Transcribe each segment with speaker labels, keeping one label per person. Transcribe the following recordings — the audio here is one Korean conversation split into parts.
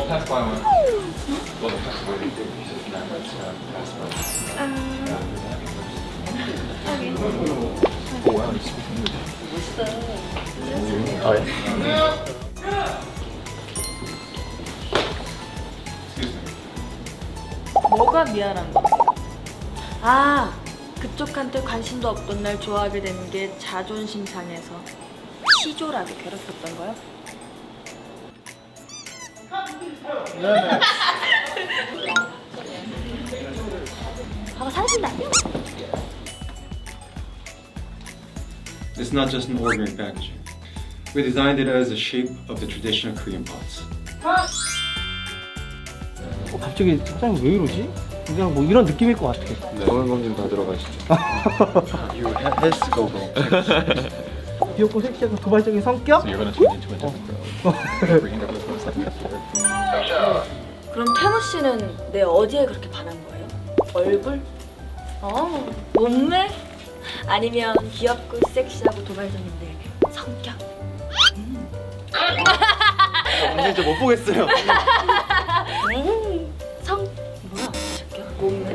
Speaker 1: pass by one. Well, the pass by pass by. Oh wow, you speak English. Oh yeah. Excuse me.
Speaker 2: 뭐가 미안한 거? 아, 그쪽한테 관심도 없던 날 좋아하게 된 게 자존심 상해서 치졸하게 괴롭혔던 거요? 아, 사신다.
Speaker 3: It's not just an ordinary packaging. We designed it as the shape of the traditional Korean pots.
Speaker 4: 갑자기 사장님 왜 이러지? 그냥 뭐 이런 느낌일 것 같아.
Speaker 1: 건강검진 받으러 가시죠. You has to go home.
Speaker 4: 귀엽고 섹시하고 도발적인 성격?
Speaker 1: So you're gonna turn into a different girl. Bringing up with something.
Speaker 2: 그럼 태무 씨는 내 어디에 그렇게 반한 거예요? 얼굴? 몸매? 아니면 귀엽고 섹시하고 도발적인데 성격?
Speaker 4: 진짜 못 보겠어요.
Speaker 2: 성 뭐야? 저기요? 몸매?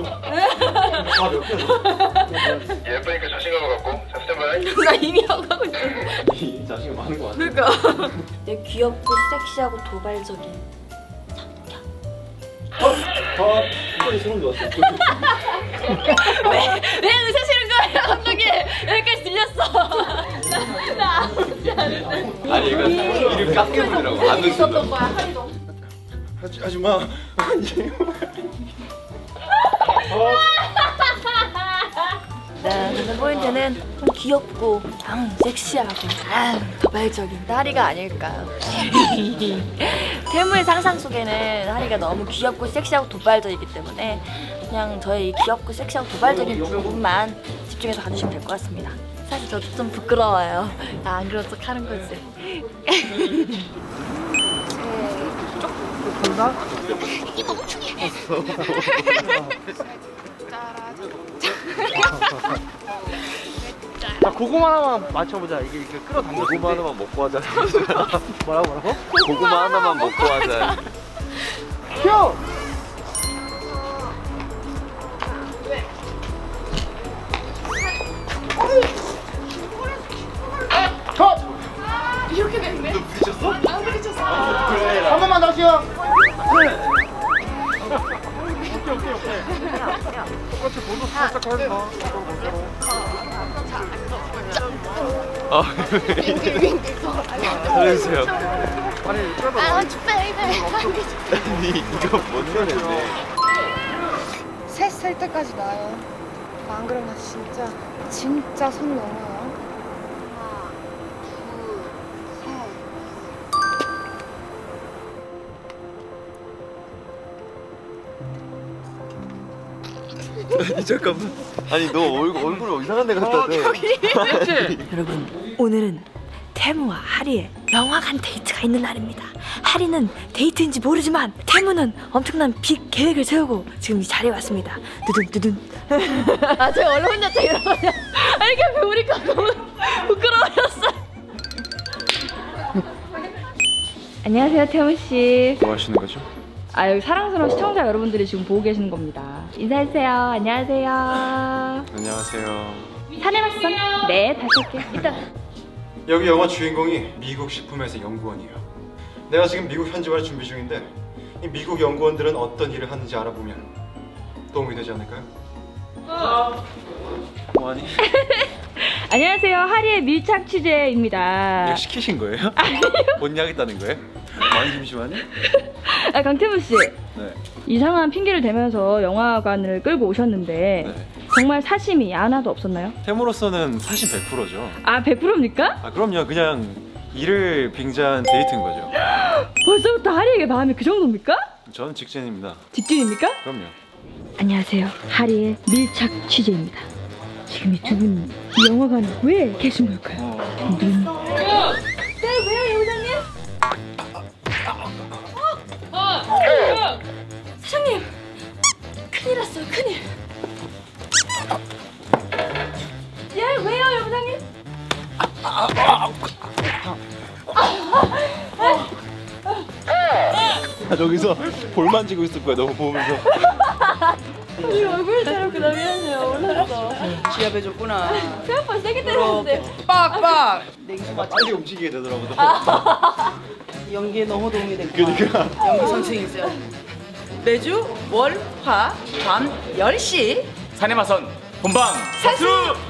Speaker 4: 아몇 개야?
Speaker 1: 예쁘니까 자신감을 갖고 자 스탠바이.
Speaker 2: 나 이미 하고 있어.
Speaker 4: 이 자식이 많은 것 같아.
Speaker 2: 그러니까 내 귀엽고 섹시하고 도발적인 성격.
Speaker 4: 이번에 소름 돋았어.
Speaker 2: 왜 의사 싫은 거예요, 감독님? 여기까지 들렸어. 나 아무렇지 않은데.
Speaker 1: 아니 이거 이름 깎여 부르더라고. 안
Speaker 2: 있었던 거야, 하리도.
Speaker 4: 하지 마.
Speaker 2: 네, 포인트는 좀 귀엽고 섹시하고 도발적인 하리가 아닐까요? 태무의 상상 속에는 하리가 너무 귀엽고 섹시하고 도발적이기 때문에 그냥 저의 이 귀엽고 섹시하고 도발적인 부분만 집중해서 가주시면 될 것 같습니다. 사실 저도 좀 부끄러워요. 안 그런 척 하는 거지.
Speaker 4: 간다? 자, 고구마 하나만 맞춰보자. 이게 끌어당겨.
Speaker 1: 고구마 하나만 먹고 하자.
Speaker 4: 뭐라고?
Speaker 1: 고구마 하나만 먹고 하자.
Speaker 4: 큐! 컷!
Speaker 5: 이렇게 됐네. 너 부딪혔어? 안 부딪혔어.
Speaker 4: 한 번만 더시요. 똑같이 보도 살짝 하지 마.
Speaker 1: 살려주세요.
Speaker 4: 아니,
Speaker 5: I want you, baby.
Speaker 1: 아니 이거 뭔 노래인데?
Speaker 5: 셋 셀 때까지 나요. 안 그러면 진짜 손 넘어요. 하나, 둘, 셋.
Speaker 1: 아니 잠깐만. 아니 너 얼굴 이상한 데 갖다 대.
Speaker 2: 여러분, 오늘은 태무와 하리의 영화관 데이트가 있는 날입니다. 하리는 데이트인지 모르지만 태무는 엄청난 빅 계획을 세우고 지금 이 자리에 왔습니다. 두둔. 아, 제가 원래 혼자 다 이러거든요. 아, 이렇게 배우니까 너무 부끄러워졌어. 안녕하세요, 태무 씨.
Speaker 1: 뭐 하시는 거죠?
Speaker 2: 아, 여기 사랑스러운 시청자 여러분들이 지금 보고 계시는 겁니다. 인사해주세요. 안녕하세요.
Speaker 1: 안녕하세요.
Speaker 2: 산에 왔어? 네, 다시 올게요. 이따.
Speaker 3: 여기 영화 주인공이 미국 식품회사 연구원이에요. 내가 지금 미국 현지화를 준비 중인데 이 미국 연구원들은 어떤 일을 하는지 알아보면 도움이 되지 않을까요?
Speaker 1: 뭐하니?
Speaker 2: 안녕하세요. 하리의 밀착 취재입니다.
Speaker 1: 이거 시키신 거예요? 본야겠다는 거예요? 많이 심심하니?
Speaker 2: 아, 강태무 씨.
Speaker 1: 네.
Speaker 2: 이상한 핑계를 대면서 영화관을 끌고 오셨는데
Speaker 1: 네.
Speaker 2: 정말 사심이 하나도 없었나요?
Speaker 1: 템으로서는 사실 100%죠.
Speaker 2: 아, 100%입니까?
Speaker 1: 아 그럼요. 그냥 일을 빙자한 데이트인 거죠.
Speaker 2: 벌써부터 하리에게 마음이 그 정도입니까?
Speaker 1: 저는 직진입니다.
Speaker 2: 직진입니까?
Speaker 1: 그럼요.
Speaker 2: 안녕하세요. 하리의 밀착 취재입니다. 지금 이 두 분이 이 영화관에 왜 계신 걸까요? 네, 왜요, 여장님? 사장님! 큰일 났어요, 큰일! 예, 왜요, 여장님?
Speaker 1: 나 저기서 볼 만지고 있을 거야 너무 보면서.
Speaker 2: 우리 얼굴 자르고 나 미안해요. 몰랐어.
Speaker 6: 지압해줬구나.
Speaker 2: 생각보다 세게 때렸는데.
Speaker 6: 빡빡. 냉수 맞
Speaker 1: 빨리 움직이게 되더라고.
Speaker 6: 연기에 너무 도움이 됐고.
Speaker 1: 그러니까.
Speaker 6: 연기 선생이 있어요. 매주 월, 화, 밤 10시
Speaker 7: 사내마선 본방 사수!